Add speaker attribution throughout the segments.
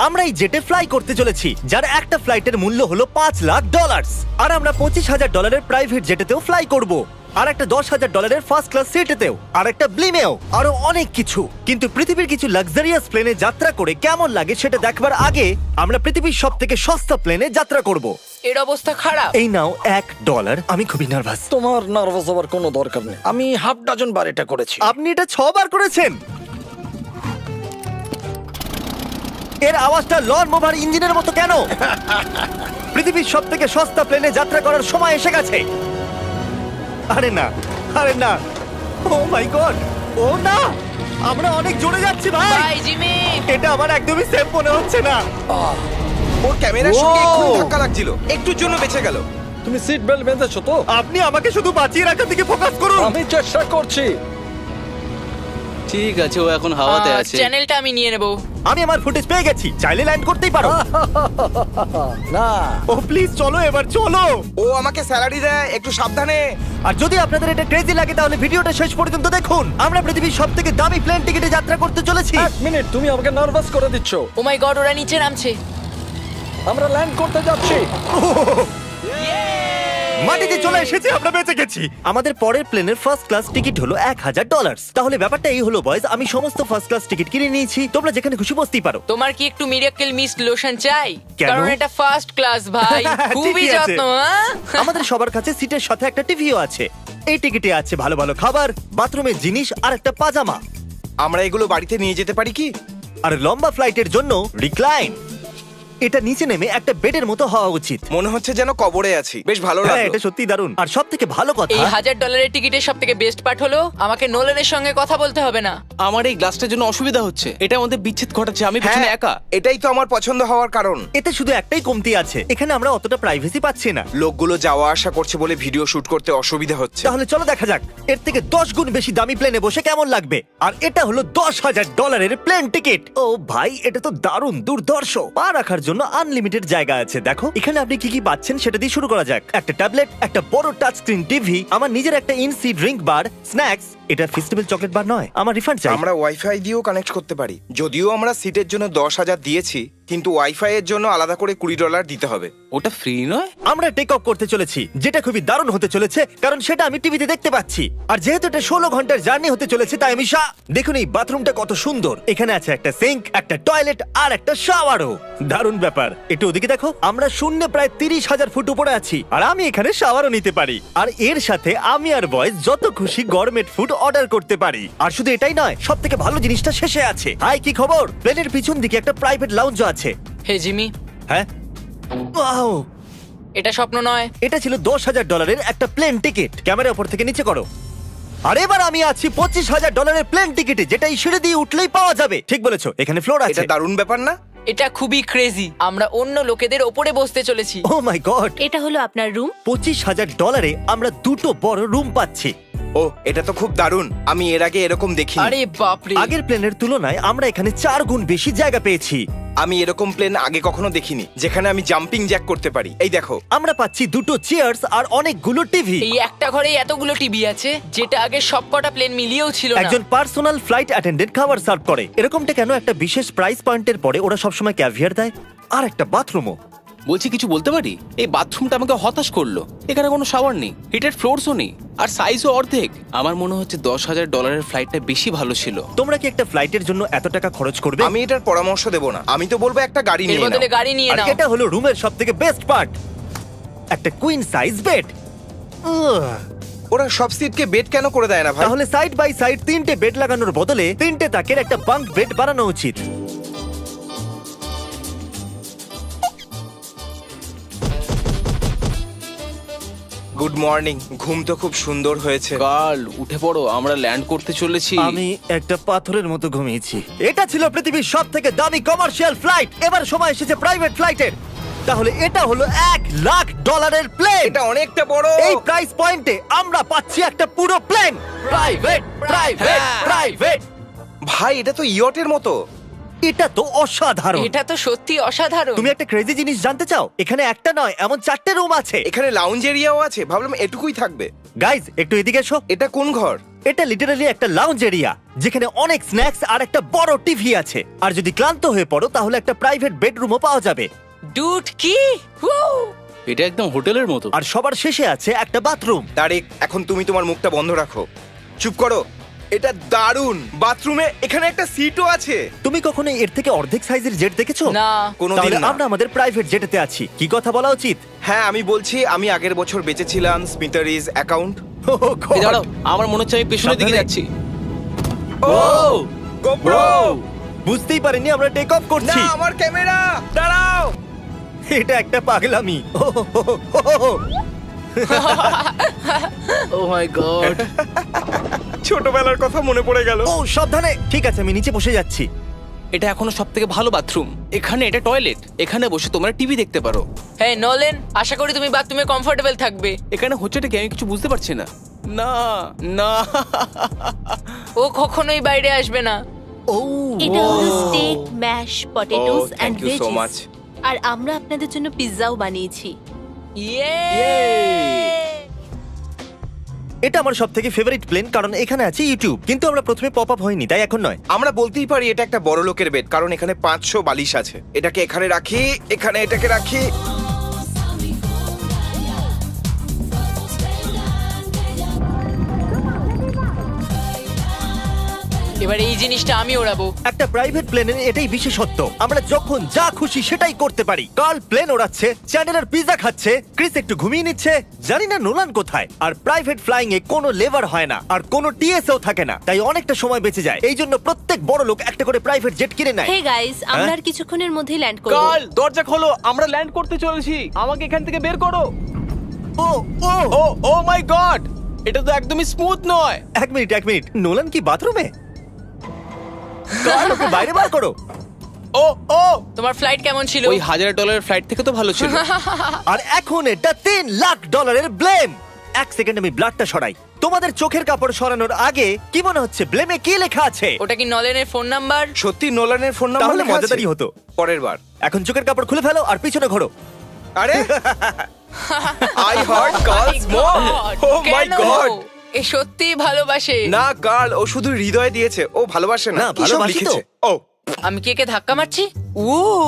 Speaker 1: আমরা এই জেটে ফ্লাই করতে চলেছি, যার একটা ফ্লাইটের মূল্য হলো $5,00,000। আর আমরা $25,000 প্রাইভেট জেটেতেও ফ্লাই করব, আর একটা $10,000 ফার্স্ট ক্লাস সিটেতেও, আর একটা ব্লিমেও, আরো অনেক কিছু। কিন্তু পৃথিবীর কিছু লাক্সারিয়াস প্লেনে যাত্রা করে কেমন লাগে সেটা দেখবার আগে আমরা পৃথিবীর সব থেকে সস্তা প্লেনে যাত্রা করব।
Speaker 2: এর অবস্থা খারাপ।
Speaker 1: এই নাও $1। আমি খুবই নার্ভাস।
Speaker 3: তোমার নার্ভাস হওয়ার কোনো দরকার নেই, আমি হাফ ডজন বার এটা করেছি।
Speaker 1: আপনি এটা 6 বার করেছেন। এর আওয়াজটা লন মোভার ইঞ্জিনের মতো কেন? পৃথিবীর সব থেকে সস্তা প্লেনে যাত্রা করার সময় এসে গেছে। আরে না, আরে না, ও মাই গড, ও না, আমরা অনেক জোরে যাচ্ছি ভাই।
Speaker 2: Bye Jimmy.
Speaker 1: এটা আমার একদমই সেফ মনে হচ্ছে না।
Speaker 4: ওর ক্যামেরার সঙ্গে
Speaker 1: Wow!
Speaker 4: এক্ষুনি ধাক্কা লাগছিল, একটুর জন্য বেঁচে গেল।
Speaker 3: তুমি সিট বেল্ট বেঁধেছো তো?
Speaker 1: আপনি আমাকে শুধু বাঁচিয়ে রাখার দিকে ফোকাস করুন।
Speaker 3: আমি চেষ্টা করছি।
Speaker 5: ঠিক আছে, ও এখন হাওয়াতে আছে।
Speaker 2: চ্যানেলটা আমি নিয়ে নেব।
Speaker 1: আমি আমার ফুটেজ পেয়ে গেছি, চাইলে ল্যান্ড করতেই পারো।
Speaker 3: না,
Speaker 1: ও প্লিজ চলো, এবার চলো।
Speaker 4: ও আমাকে স্যালারি দেয়, একটু সাবধানে।
Speaker 1: আর যদি আপনাদের এটা ক্রেজি লাগে তাহলে ভিডিওটা শেষ পর্যন্ত দেখুন। আমরা পৃথিবীর সব থেকে দামি প্লেন টিকিটে যাত্রা করতে চলেছি।
Speaker 3: এক মিনিট, তুমি আমাকে নার্ভাস করে দিচ্ছ।
Speaker 2: ও মাই গড, ওরা নিচে নামছে।
Speaker 3: আমরা ল্যান্ড করতে যাচ্ছি।
Speaker 1: মাটিতে চলে এসেছি, আমরা বেঁচে গেছি। আমাদের পরের প্লেনের ফার্স্ট ক্লাস টিকিট হলো $1,000। তাহলে ব্যাপারটা এই হলো বয়স, আমি সমস্ত ফার্স্ট ক্লাস টিকিট কিনে নিয়েছি, তোমরা যেখানে খুশি বসতেই পারো।
Speaker 2: তোমার কি একটু মিরাকেল মিস্ট লোশন চাই?
Speaker 1: কেন?
Speaker 2: কারণ এটা ফার্স্ট ক্লাস ভাই, খুবই
Speaker 1: ঠিকই আছে।
Speaker 2: যত্ন। হ্যাঁ?
Speaker 1: আমাদের সবার কাছে সিটের সাথে একটা টিভিও আছে। এই টিকিটে আছে ভালো ভালো খাবার, বাথরুমের জিনিস আর একটা পাজামা।
Speaker 4: আমরা এগুলো বাড়িতে নিয়ে যেতে পারি কি?
Speaker 1: আর লম্বা ফ্লাইটের জন্য রিক্লাইন। এটা নিচে নেমে একটা বেডের মতো হওয়া উচিত।
Speaker 4: মনে হচ্ছে যেন কবরে আছি, বেশ ভালো
Speaker 1: হ্যাঁ,
Speaker 4: লাগলো।
Speaker 1: এটা সত্যি দারুণ। আর সব থেকে ভালো কথা,
Speaker 2: এই $1,000 টিকিটের সব থেকে বেস্ট পার্ট হলো আমাকে নোলেনের সঙ্গে কথা বলতে হবে না।
Speaker 5: আমার এই গ্লাসটার জন্য অসুবিধা হচ্ছে, এটা আমাদের বিচ্ছেদ ঘটাচ্ছে। আমি পেছনে
Speaker 4: হ্যাঁ,
Speaker 5: একা।
Speaker 4: এটাই তো আমার পছন্দ হওয়ার কারণ।
Speaker 1: এতে শুধু একটাই কমতি আছে, এখানে আমরা অতটা প্রাইভেসি পাচ্ছি না।
Speaker 4: লোকগুলো যাওয়া আসা করছে বলে ভিডিও শুট করতে অসুবিধা হচ্ছে।
Speaker 1: তাহলে চলো দেখা যাক এর থেকে 10 গুণ বেশি দামি প্লেনে বসে কেমন লাগবে। আর এটা হলো $10,000 প্লেন টিকিট। ও ভাই, এটা তো দারুণ দুর্ধর্ষ। পা রাখার জন্য আনলিমিটেড জায়গা আছে। দেখো এখানে আপনি কি কি পাচ্ছেন সেটা দিয়ে শুরু করা যাক। একটা ট্যাবলেট, একটা বড় টাচ স্ক্রিন টিভি, আমার নিজের একটা ইনসি ড্রিঙ্ক বার, স্ন্যাক্স। এটা ফেস্টিভ্যাল চকলেট বার নয়, আমার রিফান্ড চাই।
Speaker 4: আমরা ওয়াইফাই দিয়েও কানেক্ট করতে পারি। যদিও আমরা সিটের জন্য 10,000 দিয়েছি, কিন্তু ওয়াইফাই এর জন্য আলাদা করে $20 দিতে হবে।
Speaker 5: ওটা ফ্রি নয়?
Speaker 1: আমরা টেক অফ করতে চলেছি, যেটা খুবই দারুণ হতে চলেছে, কারণ সেটা আমি টিভিতে দেখতে পাচ্ছি। আর যেহেতু এটা 16 ঘন্টার জার্নি হতে চলেছে, তাই আমি দেখুন এই বাথরুমটা কত সুন্দর। এখানে আছে একটা সিঙ্ক, একটা টয়লেট আর একটা শাওয়ারও। দারুণ ব্যাপার। একটু ওদিকে দেখো, আমরা শূন্যে প্রায় 30,000 ফুট উপরে আছি, আর আমি এখানে শাওয়ারও নিতে পারি। আর এর সাথে আমি আর বয়েজ যত খুশি গরমেট ফুড অর্ডার করতে পারি। আর শুধু এটাই নয়, সব থেকে ভালো জিনিসটা শেষে আছে। হাই, কি খবর? প্লেনের পিছন দিকে একটা প্রাইভেট লাউঞ্জও আছে।
Speaker 2: হে জিমি,
Speaker 1: হ্যাঁ, ওয়াও,
Speaker 2: এটা স্বপ্ন নয়।
Speaker 1: এটা ছিল $10,000 একটা প্লেন টিকিট। ক্যামেরা উপর থেকে নিচে করো। আর এবার আমি আছি $25,000 প্লেন টিকিটে, যেটা এই সিঁড়ি দিয়ে উঠলেই পাওয়া যাবে। ঠিক বলেছো, এখানে ফ্লোর আছে।
Speaker 4: এটা দারুণ ব্যাপার না?
Speaker 2: এটা খুবই ক্রেজি। আমরা অন্য লোকেদের ওপরে বসতে চলেছি।
Speaker 1: ও মাই গড,
Speaker 6: এটা হলো আপনার রুম।
Speaker 1: $25,000 আমরা দুটো বড় রুম পাচ্ছি।
Speaker 4: ও, এটা তো খুব দারুণ। আমি এর আগে এরকম দেখিনি।
Speaker 2: আরে বাপরে।
Speaker 1: আগের প্লেনের তুলনায় আমরা এখানে 4 গুণ বেশি জায়গা পেয়েছি।
Speaker 4: আমি এরকম প্লেন আগে কখনো দেখিনি যেখানে আমি জাম্পিং জ্যাক করতে পারি। এই দেখো,
Speaker 1: আমরা পাচ্ছি দুটো চেয়ার্স আর অনেকগুলো টিভি।
Speaker 2: এই একটা ঘরে এতগুলো টিভি আছে, যেটা আগে সবকটা প্লেন মিলিয়েও ছিল না।
Speaker 1: একজন পার্সোনাল ফ্লাইট অ্যাটেন্ডেন্ট খাবার সার্ভ করে। এরকমটা কেন? একটা বিশেষ প্রাইস পয়েন্টের পরে ওরা সবসময় ক্যাভিয়ার দেয়। আর একটা বাথরুমও।
Speaker 5: বলছি, কিছু বলতে পারি? এই বাথরুমটা আমাকে হতাশ করলো। এখানে কোনো শাওয়ার নেই, হিটেড ফ্লোরসও নেই, আর সাইজও অর্ধেক। আমার মনে হচ্ছে $10,000 ফ্লাইটটা বেশি ভালো ছিল।
Speaker 1: তোমরা কি একটা ফ্লাইটের জন্য এত টাকা খরচ করবে?
Speaker 4: আমি এটার পরামর্শ দেব না। আমি তো বলবো একটা গাড়ি
Speaker 2: এর
Speaker 4: নিয়ে
Speaker 2: বদলে
Speaker 4: নাও।
Speaker 2: গাড়ি নিয়ে
Speaker 1: আর
Speaker 2: নাও।
Speaker 1: এটা হলো রুমের সবথেকে বেস্ট পার্ট, একটা কুইন সাইজ বেড।
Speaker 4: ওরা সব সিটকে বেড কেন করে দেয় না ভাই?
Speaker 1: তাহলে সাইড বাই সাইড 3টে বেড লাগানোর বদলে 3টে তাকের একটা বাঙ্ক বেড বানানো উচিত।
Speaker 4: Good morning. ঘুম তো খুব সুন্দর হয়েছে।
Speaker 5: কাল উঠে পড়ো, আমরা ল্যান্ড করতে চলেছি।
Speaker 1: আমি একটা পাথরের মতো ঘুমিয়েছি। এটা ছিল পৃথিবীর সব থেকে দামি কমার্শিয়াল ফ্লাইট। এবার সময় এসেছে প্রাইভেট ফ্লাইটের। তাহলে এটা হলো $1,00,000 প্লেন।
Speaker 4: এটা অনেকটা বড়।
Speaker 1: এই প্রাইস পয়েন্টে আমরা পাচ্ছি একটা পুরো প্লেন। Private, private, private.
Speaker 4: ভাই, এটা তো ইয়টের মতো।
Speaker 1: এটা তো অসাধারণ।
Speaker 2: এটা তো সত্যি অসাধারণ।
Speaker 1: তুমি একটা ক্রেজি জিনিস জানতে চাও? এখানে একটা নয়, এমন 4টে রুম আছে।
Speaker 4: এখানে লাউঞ্জ এরিয়াও আছে। ভাবলাম এটুকুই থাকবে।
Speaker 1: গাইজ, একটু এদিকে এসো।
Speaker 4: এটা কোন ঘর?
Speaker 1: এটা লিটারালি একটা লাউঞ্জ এরিয়া যেখানে অনেক স্ন্যাক্স আর একটা বড় টিভি আছে। আর যদি ক্লান্ত হয়ে পড়ো তাহলে একটা প্রাইভেট বেডরুমও পাওয়া যাবে।
Speaker 2: ডুড কি Woo!
Speaker 5: এটা একদম হোটেলের মতো।
Speaker 1: আর সবার শেষে আছে একটা বাথরুম।
Speaker 4: তারিক, এখন তুমি তোমার মুখটা বন্ধ রাখো। চুপ করো। এটা দারুণ। বাথরুমে এখানে একটা সিটও আছে।
Speaker 1: তুমি কখনো এর থেকে অর্ধেক সাইজের জেট দেখেছো?
Speaker 2: না।
Speaker 4: কোনোদিন
Speaker 1: তাহলে
Speaker 4: না।
Speaker 1: আমরা আমাদের প্রাইভেট জেটেতে আছি। কি কথা বলা উচিত?
Speaker 4: হ্যাঁ, আমি বলছি আমি আগের বছর বেচেছিলাম স্মিটারিজ অ্যাকাউন্ট।
Speaker 1: Oh God!
Speaker 5: এই দাঁড়াও, আমার মনে হচ্ছে আমি পেছনের দিকে
Speaker 1: সাবধানে।
Speaker 5: যাচ্ছি।
Speaker 4: ও গোপ্রো!
Speaker 1: বুঝতেই পারিনি আমরা টেক অফ
Speaker 4: না,
Speaker 1: করছি।
Speaker 4: আমার ক্যামেরা! দাঁড়াও!
Speaker 1: এটা একটা পাগলামি।
Speaker 5: Oh my god.
Speaker 4: ছোটবেলার কথা মনে পড়ে গেল।
Speaker 1: ও সাবধানে। ঠিক আছে, আমি নিচে বসে যাচ্ছি।
Speaker 5: এটা এখনো সবথেকে ভালো বাথরুম। এখানে এটা টয়লেট। এখানে বসে তোমরা টিভি দেখতে পারো।
Speaker 2: হ্যাঁ নোলেন, আশা করি তুমি বাথরুমে কমফোর্টেবল থাকবে।
Speaker 5: এখানে হচ্ছেটা কি আমি কিছু বুঝতে পারছি না। না না।
Speaker 2: ও কখনোই বাইরে আসবে না।
Speaker 1: ও
Speaker 6: এটা হলো steak, mash, potatoes
Speaker 4: Oh,
Speaker 6: and
Speaker 4: thank you so much.
Speaker 6: Veggies. আর আমরা আপনাদের জন্য পিৎজাও বানিয়েছি।
Speaker 2: ইয়ে!
Speaker 1: এটা আমার সবথেকে ফেভারিট প্লেন, কারণ এখানে আছে ইউটিউব। কিন্তু আমরা প্রথমে পপ আপ হয়নি, তাই এখন নয়।
Speaker 4: আমরা বলতেই পারি এটা একটা বড় লোকের বেড, কারণ এখানে 500 বালিশ আছে। এটাকে এখানে রাখি, এখানে এটাকে রাখি।
Speaker 2: এবার এই জিনিসটা আমি ওড়াবো।
Speaker 1: একটা প্রাইভেট প্লেনের এটাই বিশেষত্ব, আমরা যখন যা খুশি সেটাই করতে পারি। কার্ল প্লেন ওড়াচ্ছে, চ্যান্ডেলার পিৎজা খাচ্ছে, ক্রিস একটু ঘুমিয়ে নিচ্ছে, জানি না নোলান কোথায়। আর প্রাইভেট ফ্লাইং এ কোনো লেবার হয় না, আর কোনো টিএসও থাকে না, তাই অনেকটা সময় বেঁচে যায়। এই জন্য প্রত্যেক বড় লোক একটা করে প্রাইভেট জেট কিনে নেয়।
Speaker 6: হে গাইস, আমরা
Speaker 1: হ্যাঁ?
Speaker 6: আর কিছুক্ষণের মধ্যেই ল্যান্ড করব।
Speaker 5: কাল দরজা খোলো, আমরা ল্যান্ড করতে চলেছি। আমাকে এখান থেকে বের করো।
Speaker 1: ও ও
Speaker 5: ও ও মাই গড, এটা তো একদমই স্মুথ নয়।
Speaker 1: এক মিনিট, নোলান কি বাথরুমে? কার্ল, ওকে বাইরে বার করো।
Speaker 5: ও ও,
Speaker 2: তোমার ফ্লাইট কেমন ছিল?
Speaker 5: ওই $1000 ফ্লাইট থেকে তো ভালো ছিল।
Speaker 1: আর এখন এটা $3 লাখ ব্লেম। এক সেকেন্ড আমি ব্লাডটা সরাই। তোমাদের চোখের কাপড় সরানোর আগে কি মনে হচ্ছে ব্লেমে কি লেখা আছে?
Speaker 2: ওটা কি নলেনের ফোন নাম্বার?
Speaker 4: সত্যি নোলানের ফোন নাম্বার
Speaker 1: তাহলে
Speaker 4: লেখা আছে?
Speaker 1: মজাদারই হতো।
Speaker 4: পরের বার।
Speaker 1: এখন চোখের কাপড় খুলে ফেলো আর পিছনে ঘোরো।
Speaker 4: আরে I hurt girls more. Oh my
Speaker 2: কেন?
Speaker 4: গড!
Speaker 2: এ সত্যিই ভালোবাসে।
Speaker 4: না গার্ল, ও শুধু হৃদয় দিয়েছে, ও ভালোবাসে না।
Speaker 1: না,
Speaker 4: কি সব
Speaker 1: ভালোবাসি তো।
Speaker 4: লিখেছে? ও
Speaker 2: আমি কে কে ধাক্কা মারছি? উ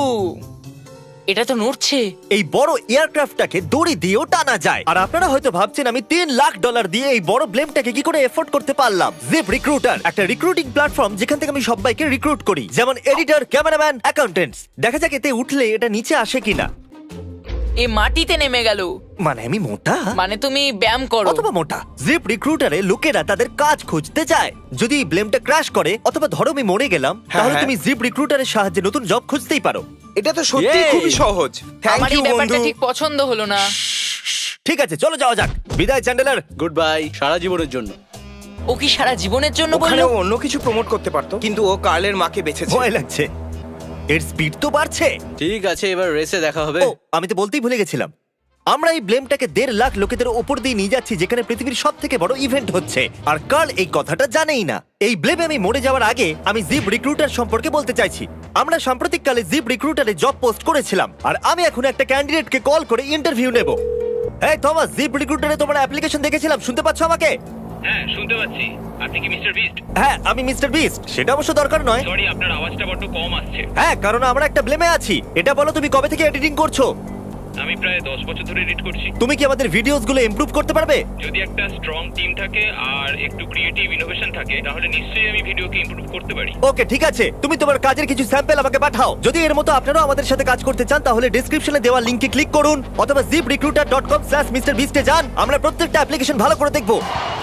Speaker 2: এটা তো নড়ছে।
Speaker 1: এই বড় এয়ারক্রাফটটাকে দড়ি দিয়েও টানা যায়। আর আপনারা হয়তো ভাবছেন আমি $3 লাখ দিয়ে এই বড় ব্লেমটাকে কি করে এফোর্ড করতে পারলাম। জিপ রিক্রুটার একটা রিক্রুটিং প্ল্যাটফর্ম যেখান থেকে আমি সবাইকে রিক্রুট করি, যেমন এডিটর, ক্যামেরাম্যান, অ্যাকাউন্টেন্টস। দেখা যাক এতে উঠলে এটা নিচে আসে কিনা।
Speaker 2: এ মাটিতে নেমে গেল।
Speaker 1: মানে আমি মোটা
Speaker 2: মানে তুমি ব্যায়াম করো।
Speaker 1: অথবা মোটা। জিপ রিক্রুটারে লোকেরা তাদের কাজ খুঁজতে যায়। যদি এই ব্লেমটা ক্র্যাশ করে অথবা ধরো আমি মরে গেলাম, তাহলে
Speaker 4: হ্যাঁ।
Speaker 1: তুমি জিপ রিক্রুটারের সাহায্যে নতুন জব খুঁজতেই পারো।
Speaker 4: এটা তো সত্যি
Speaker 1: Yay!
Speaker 4: খুবই সহজ। থ্যাংক
Speaker 2: আমার এই
Speaker 4: ইউ
Speaker 2: ব্যাপারটা
Speaker 4: বন্ধু।
Speaker 2: ঠিক পছন্দ হলো না।
Speaker 1: ঠিক আছে, চলো যাওয়া যাক। বিদায় চ্যান্ডেলার।
Speaker 5: গুড বাই, সারা জীবনের জন্য।
Speaker 2: ও কি সারা জীবনের জন্য
Speaker 4: ওখানে
Speaker 2: বললো?
Speaker 4: ও অন্য কিছু প্রমোট করতে পারতো, কিন্তু ও কার্লের মাকে বেঁচেছে।
Speaker 1: ভয় লাগছে। এর স্পিড তো বাড়ছে।
Speaker 5: ঠিক আছে, এবার রেসে দেখা হবে।
Speaker 1: ও, আমি তো বলতেই ভুলে গেছিলাম। আমরা এই ব্লেমটাকে 1.5 লাখ লোকেদের উপর দিয়ে নিয়ে যাচ্ছি, যেখানে পৃথিবীর সব থেকে বড় ইভেন্ট হচ্ছে। আর কার্ল এই কথাটা জানেই না। এই ব্লেমে আমি মরে যাওয়ার আগে আমি জিপ রিক্রুটার সম্পর্কে বলতে চাইছি। আমরা সাম্প্রতিককালে জিপ রিক্রুটারে জব পোস্ট করেছিলাম, আর আমি এখন একটা ক্যান্ডিডেটকে কল করে ইন্টারভিউ নেব। এই থমাস, জিপ রিক্রুটারে তোমার অ্যাপ্লিকেশন দেখেছিলাম, শুনতে পাচ্ছ আমাকে?
Speaker 7: হ্যাঁ শুনতে পাচ্ছি। আপনি কি মিস্টার বিস্ট?
Speaker 1: হ্যাঁ, আমি মিস্টার বিস্ট। সেটা অবশ্য দরকার নয়।
Speaker 7: সরি, আপনার আওয়াজটা বড্ড কম আসছে।
Speaker 1: হ্যাঁ, কারণ আমরা একটা ব্লেমে আছি। এটা বলো, তুমি কবে থেকে এডিটিং করছো?
Speaker 7: আমি প্রায় 10 বছর ধরে এডিট করছি।
Speaker 1: তুমি কি আমাদের ভিডিওসগুলো ইমপ্রুভ করতে পারবে?
Speaker 7: যদি একটা স্ট্রং টিম থাকে আর একটু ক্রিয়েটিভ ইনোভেশন থাকে, তাহলে নিশ্চয়ই আমি ভিডিওকে ইমপ্রুভ করতে পারি।
Speaker 1: ওকে, ঠিক আছে। তুমি তোমার কাজের কিছু স্যাম্পল আমাকে পাঠাও। যদি এর মতো আপনারাও আমাদের সাথে কাজ করতে চান, তাহলে ডেসক্রিপশনে দেওয়া লিংকে ক্লিক করুন অথবা ziprecruiter.com/MrBeast এ যান। আমরা প্রত্যেকটা অ্যাপ্লিকেশন ভালো করে দেখব।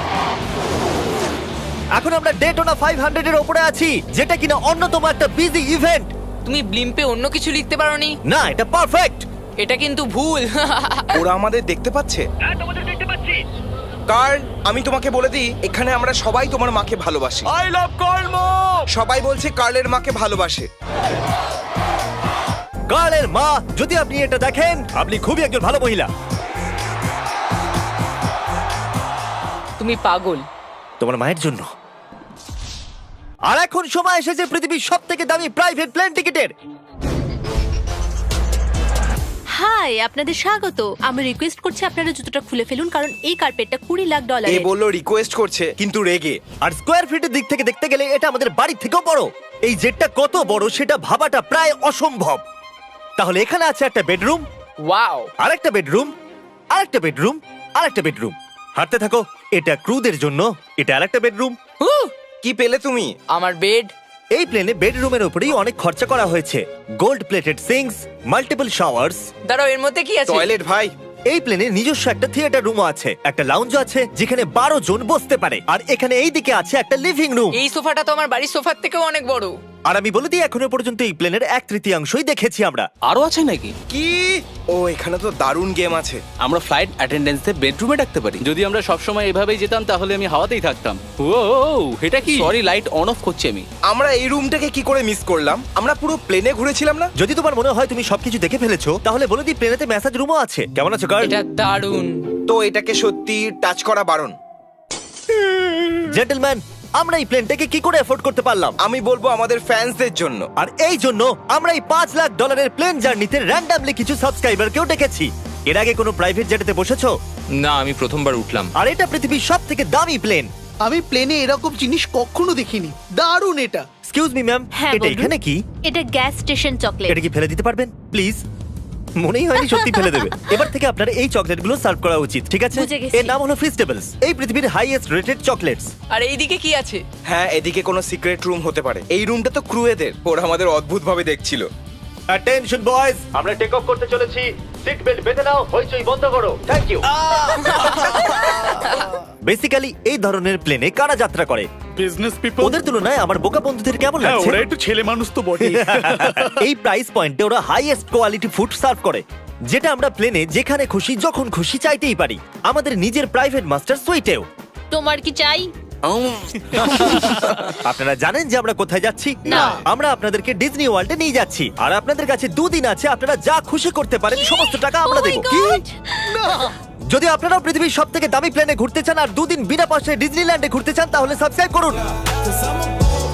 Speaker 1: এখন আমরা ডেটোনা 500 এর উপরে আছি, যেটা কিনা অন্যতম একটা বিজি ইভেন্ট।
Speaker 2: তুমি ব্লিম্পে অন্য কিছু লিখতে পারোনি?
Speaker 1: না, এটা পারফেক্ট।
Speaker 2: এটা কিন্তু ভুল।
Speaker 4: ওরা আমাদের দেখতে পাচ্ছে।
Speaker 7: হ্যাঁ, তোমাদের দেখতে পাচ্ছি।
Speaker 4: কার্ল, আমি তোমাকে বলে দিই, এখানে আমরা সবাই তোমার মাকে ভালোবাসি।
Speaker 5: আই লাভ কর্ম।
Speaker 4: সবাই বলছে কার্লের মাকে ভালোবাসে।
Speaker 1: কার্লের মা, যদি আপনি এটা দেখেন, আপনি খুবই একজন ভালো মহিলা।
Speaker 2: তুমি পাগল।
Speaker 1: তোমার মায়ের জন্য। আর এখন সময় এসেছে পৃথিবীর সবথেকে দামি প্রাইভেট প্লেন টিকেটের।
Speaker 6: হাই, আপনাদের স্বাগত। আমি রিকোয়েস্ট করছি আপনারা জুতোটা খুলে ফেলুন, কারণ এই কার্পেটটা $20 লাখ।
Speaker 4: এ বললো রিকোয়েস্ট করছে কিন্তু রেগে।
Speaker 1: আর স্কোয়ার ফিটের দিক থেকে দেখতে গেলে এটা আমাদের বাড়ির থেকেও বড়। এই জেটটা কত বড় সেটা ভাবাটা প্রায় অসম্ভব। তাহলে এখানে আছে একটা বেডরুম,
Speaker 2: ওয়াও,
Speaker 1: আরেকটা বেডরুম, আরেকটা বেডরুম, আরেকটা বেডরুম। হাঁটতে থাকো। এটা ক্রুদের জন্য, এটা আরেকটা বেডরুম।
Speaker 4: কি পেলে তুমি?
Speaker 2: আমার বেড।
Speaker 1: এই প্লেনে বেডরুমের উপরেই অনেক খরচা করা হয়েছে। Gold plated sinks, multiple showers.
Speaker 2: দাঁড়াও, এর মধ্যে কি আছে?
Speaker 4: টয়লেট ভাই।
Speaker 1: এই প্লেনে নিজস্ব একটা থিয়েটার রুমও আছে, একটা লাউঞ্জ আছে যেখানে 12 জন বসতে পারে, আর এখানে এই দিকে আছে একটা লিভিং রুম।
Speaker 2: এই সোফাটা তো আমার বাড়ির সোফার থেকেও অনেক বড়।
Speaker 1: আর আমি বলে দিই, এখনো পর্যন্ত এই প্লেনের 1/3 দেখেছি আমরা।
Speaker 5: আরো আছে নাকি?
Speaker 4: কি? ও এখানে তো দারুণ গেম আছে।
Speaker 5: আমরা ফ্লাইট অ্যাটেন্ডেন্সে বেডরুমে ডাকতে পারি। যদি আমরা সবসময় এভাবেই যেতাম তাহলে আমি হাওয়াতেই থাকতাম। ও এটা কি? সরি, লাইট অন অফ করছি আমি।
Speaker 4: আমরা এই রুমটাকে কি করে মিস করলাম? আমরা পুরো প্লেনে ঘুরেছিলাম না?
Speaker 1: যদি তোমার মনে হয় তুমি সবকিছু দেখে ফেলেছো, তাহলে বলে দিই প্লেনেতে ম্যাসাজ রুমও আছে। কেমন আছো গার্ল?
Speaker 2: এটা দারুণ।
Speaker 4: তো এটাকে সত্যি টাচ করা বারণ।
Speaker 1: জেন্টলম্যান, আমরা এই প্লেনটাকে কি করে এফোর্ড করতে পারলাম?
Speaker 4: আমি বলবো আমাদের ফ্যান্সদের জন্য।
Speaker 1: আর এই জন্য আমরা এই $5 লাখ প্লেন জার্নিতে র্যান্ডমলি কিছু সাবস্ক্রাইবারকেও ডেকেছি। এর আগে কোনো প্রাইভেট জেটেতে বসেছো?
Speaker 8: না, আমি প্রথমবার উঠলাম।
Speaker 1: আর এটা পৃথিবীর সবথেকে দামি প্লেন।
Speaker 9: আমি প্লেনে এরকম জিনিস কখনো দেখিনি। দারুণ এটা।
Speaker 1: এক্সকিউজ মি ম্যাম,
Speaker 6: হ্যাঁ,
Speaker 1: এটা
Speaker 6: বলুন।
Speaker 1: এখানে কি?
Speaker 6: এটা গ্যাস স্টেশন চকলেট।
Speaker 1: এটা কি ফেলে দিতে পারবেন প্লিজ? মনেই হয়নি সত্যি ফেলে দেবে। এবার থেকে আপনার এই চকলেটগুলো সার্ভ করা উচিত, ঠিক আছে?
Speaker 6: বুঝে গেছি।
Speaker 1: এর নাম হলো ফিস্টেবলস, এই পৃথিবীর হাইয়েস্ট রেটেড চকলেটস।
Speaker 2: আর এইদিকে কি আছে?
Speaker 4: হ্যাঁ, এদিকে কোনো সিক্রেট রুম হতে পারে। এই রুমটা তো ক্রুয়েদের। ওরা আমাদের অদ্ভুত ভাবে দেখছিল।
Speaker 1: অ্যাটেনশন বয়েজ, আমরা টেক অফ করতে চলেছি। সিট বেল্ট বেঁধে নাও, হইচই বন্ধ করো। Thank you. বেসিক্যালি এই ধরনের প্লেনে কারা যাত্রা করে?
Speaker 9: Business people.
Speaker 1: ওদের তুলনায় আমার বোকা বন্ধুদের কেমন লাগছে?
Speaker 9: ওরা একটু ছেলে মানুষ তো বটে।
Speaker 1: এই প্রাইস পয়েন্টে ওরা হাইয়েস্ট কোয়ালিটি ফুড সার্ভ করে, যেটা আমরা প্লেনে যেখানে খুশি যখন খুশি চাইতেই পারি। আমাদের নিজের প্রাইভেট মাস্টার সুইটেও।
Speaker 6: তোমার কি চাই?
Speaker 1: আপনারা জানেন যে আমরা কোথায় যাচ্ছি?
Speaker 6: না।
Speaker 1: আমরা আপনাদেরকে ডিজনি ওয়ার্ল্ডে নিয়ে যাচ্ছি, আর আপনাদের কাছে 2 দিন আছে। আপনারা যা খুশি করতে পারেন, সমস্ত টাকা আমরা
Speaker 6: Oh my
Speaker 1: দেবো।
Speaker 6: God!
Speaker 1: যদি আপনারাও পৃথিবীর সবথেকে দামি প্লেনে ঘুরতে চান আর 2 দিন বিনা পয়সায় ডিজনিল্যান্ডে ঘুরতে চান, তাহলে সাবস্ক্রাইব করুন।